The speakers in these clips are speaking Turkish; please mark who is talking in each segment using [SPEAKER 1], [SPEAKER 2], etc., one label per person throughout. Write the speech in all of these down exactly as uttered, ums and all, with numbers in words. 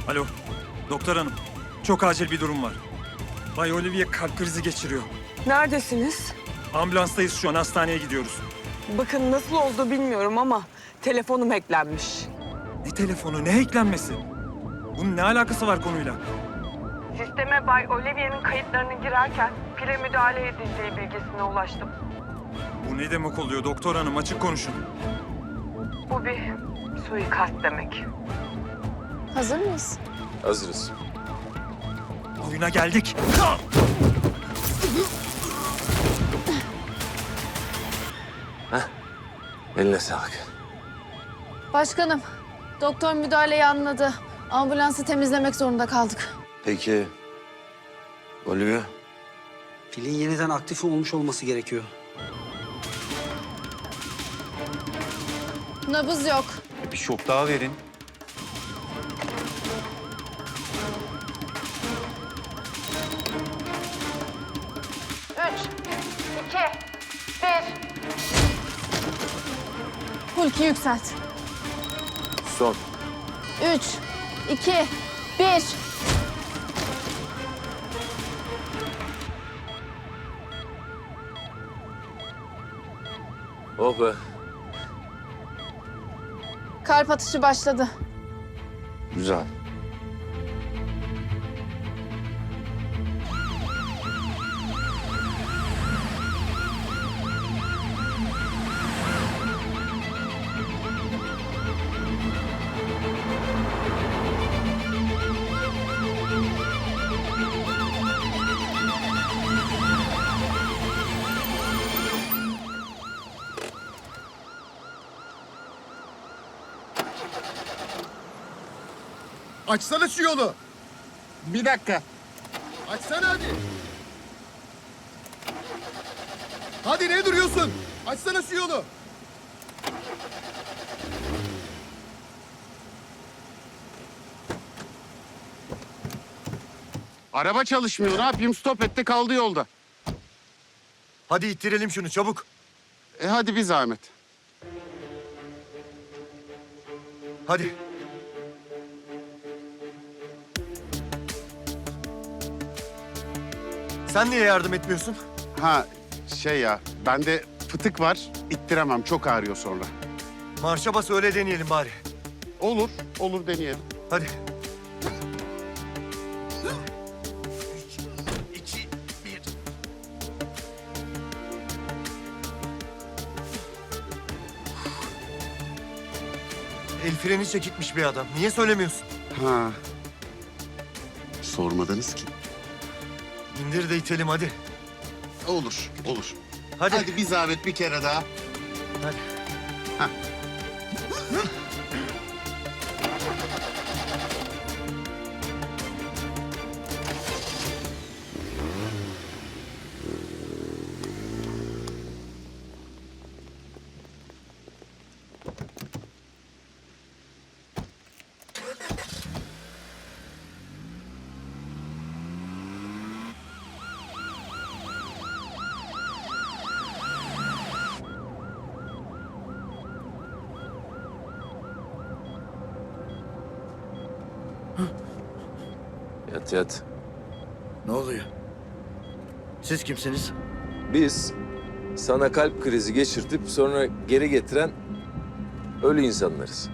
[SPEAKER 1] Alo, doktor hanım. Çok acil bir durum var. Bay Olivier kalp krizi geçiriyor.
[SPEAKER 2] Neredesiniz?
[SPEAKER 1] Ambulanstayız şu an, hastaneye gidiyoruz.
[SPEAKER 2] Bakın nasıl oldu bilmiyorum ama telefonum hacklenmiş.
[SPEAKER 1] Ne telefonu, ne eklenmesi? Bunun ne alakası var konuyla?
[SPEAKER 2] Sisteme Bay Olivier'in kayıtlarını girerken pile müdahale edildiği bilgisine ulaştım.
[SPEAKER 1] Bu ne demek oluyor doktor hanım, açık konuşun.
[SPEAKER 2] Bu bir suikast demek.
[SPEAKER 3] Hazır mıyız?
[SPEAKER 4] Hazırız.
[SPEAKER 1] Oyuna geldik.
[SPEAKER 4] Eline sağlık.
[SPEAKER 3] Başkanım, doktor müdahaleyi anladı. Ambulansı temizlemek zorunda kaldık.
[SPEAKER 4] Peki, Olivia?
[SPEAKER 5] Pilin yeniden aktif olmuş olması gerekiyor.
[SPEAKER 3] Nabız yok.
[SPEAKER 6] Bir şok daha verin.
[SPEAKER 3] Üç, iki, bir. Hulki yükselt.
[SPEAKER 4] Son.
[SPEAKER 3] Üç, iki, bir.
[SPEAKER 4] Oh be.
[SPEAKER 3] Kalp atışı başladı.
[SPEAKER 4] Güzel.
[SPEAKER 7] Açsana şu yolu. Bir dakika. Açsana hadi. Hadi ne duruyorsun? Açsana şu yolu.
[SPEAKER 8] Araba çalışmıyor. Ne yapayım? Stop etti, kaldı yolda.
[SPEAKER 7] Hadi ittirelim şunu çabuk.
[SPEAKER 8] E hadi bir zahmet.
[SPEAKER 7] Hadi. Sen niye yardım etmiyorsun?
[SPEAKER 8] Ha şey ya, bende fıtık var. İttiremem. Çok ağrıyor sonra.
[SPEAKER 7] Marşa bas öyle deneyelim bari.
[SPEAKER 8] Olur, olur deneyelim.
[SPEAKER 7] Hadi. El freni çekikmiş bir adam. Niye söylemiyorsun?
[SPEAKER 8] Ha. Sormadınız ki.
[SPEAKER 7] İndir de itelim hadi.
[SPEAKER 8] Olur, olur.
[SPEAKER 7] Hadi.
[SPEAKER 8] Hadi bir zahmet bir kere daha.
[SPEAKER 7] Hadi.
[SPEAKER 4] Yat yat.
[SPEAKER 9] Ne oluyor? Siz kimsiniz?
[SPEAKER 4] Biz sana kalp krizi geçirtip sonra geri getiren ölü insanlarız.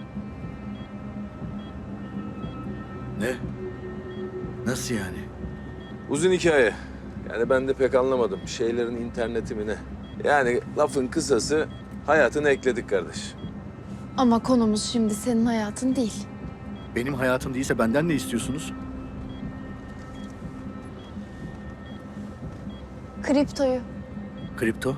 [SPEAKER 9] Ne? Nasıl yani?
[SPEAKER 4] Uzun hikaye. Yani ben de pek anlamadım. Şeylerin interneti mi ne? Yani lafın kısası hayatını ekledik kardeş.
[SPEAKER 3] Ama konumuz şimdi senin hayatın değil.
[SPEAKER 9] Benim hayatım değilse benden ne istiyorsunuz?
[SPEAKER 3] Kriptoyu.
[SPEAKER 9] Kripto?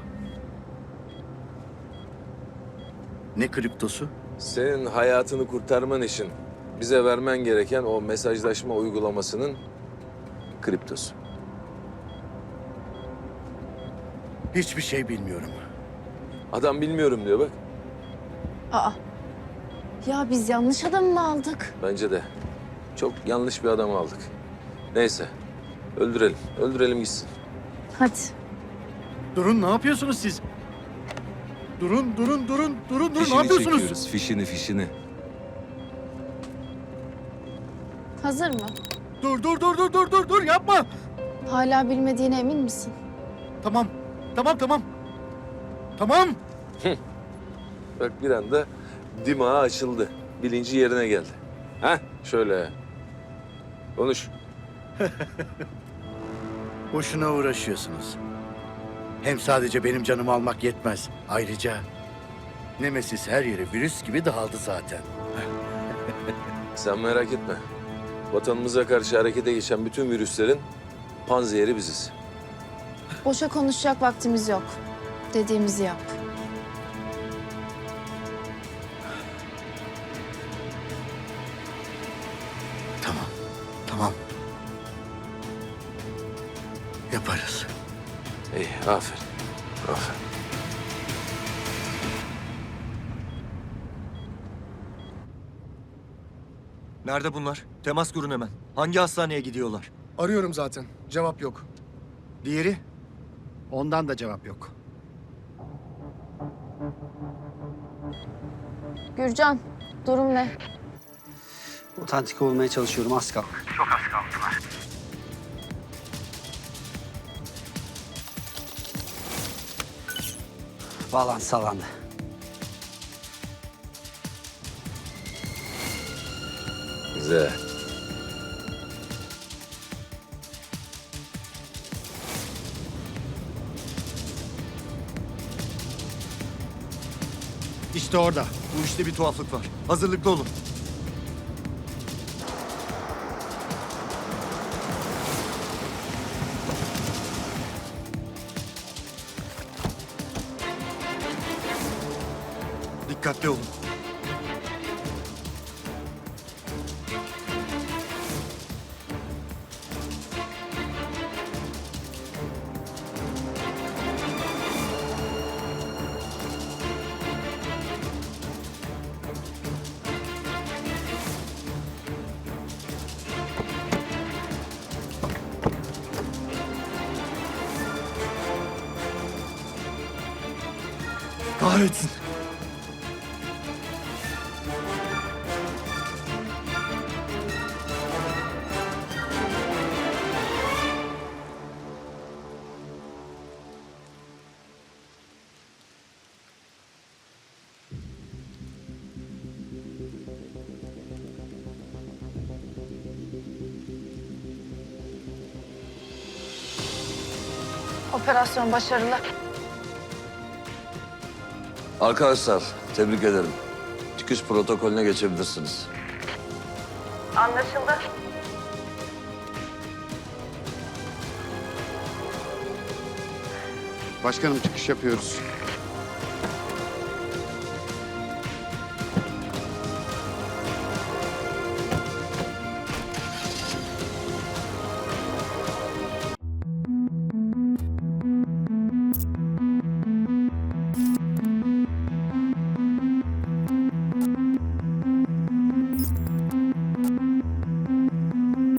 [SPEAKER 9] Ne kriptosu?
[SPEAKER 4] Senin hayatını kurtarman için bize vermen gereken o mesajlaşma uygulamasının kriptosu.
[SPEAKER 9] Hiçbir şey bilmiyorum.
[SPEAKER 4] Adam bilmiyorum diyor bak.
[SPEAKER 3] Aa. Ya biz yanlış adamı mı aldık?
[SPEAKER 4] Bence de. Çok yanlış bir adamı aldık. Neyse. Öldürelim. Öldürelim gitsin.
[SPEAKER 3] Hadi.
[SPEAKER 9] Durun, ne yapıyorsunuz siz? Durun, durun, durun, durun, durun. Ne
[SPEAKER 4] Fişini
[SPEAKER 9] yapıyorsunuz?
[SPEAKER 4] çekiyoruz. Fişini, fişini.
[SPEAKER 3] Hazır mı?
[SPEAKER 9] Dur dur dur dur dur dur dur yapma.
[SPEAKER 3] Hala bilmediğine emin misin?
[SPEAKER 9] Tamam. Tamam tamam. Tamam.
[SPEAKER 4] Bak bir anda dimağı açıldı. Bilinci yerine geldi. Ha şöyle. Konuş.
[SPEAKER 9] Boşuna uğraşıyorsunuz. Hem sadece benim canımı almak yetmez. Ayrıca Nemesis her yere virüs gibi dağıldı zaten.
[SPEAKER 4] Sen merak etme. Vatanımıza karşı harekete geçen bütün virüslerin panzehiri biziz.
[SPEAKER 3] Boşa konuşacak vaktimiz yok. Dediğimizi yap.
[SPEAKER 9] Tamam. Tamam. Yaparız.
[SPEAKER 4] İyi, aferin. Aferin.
[SPEAKER 6] Nerede bunlar? Temas kurun hemen. Hangi hastaneye gidiyorlar?
[SPEAKER 7] Arıyorum zaten. Cevap yok.
[SPEAKER 6] Diğeri?
[SPEAKER 9] Ondan da cevap yok.
[SPEAKER 3] Gürcan, durum ne?
[SPEAKER 5] Otantik olmaya çalışıyorum. Az kaldı. Çok az kaldılar. Bağlantı sağlandı.
[SPEAKER 4] Güzel.
[SPEAKER 6] İşte orada. Bu işte bir tuhaflık var. Hazırlıklı olun. Dikkatli olun. Kahretsin.
[SPEAKER 3] Operasyon başarılı.
[SPEAKER 10] Arkadaşlar tebrik ederim. Çıkış protokolüne geçebilirsiniz.
[SPEAKER 2] Anlaşıldı.
[SPEAKER 8] Başkanım çıkış yapıyoruz.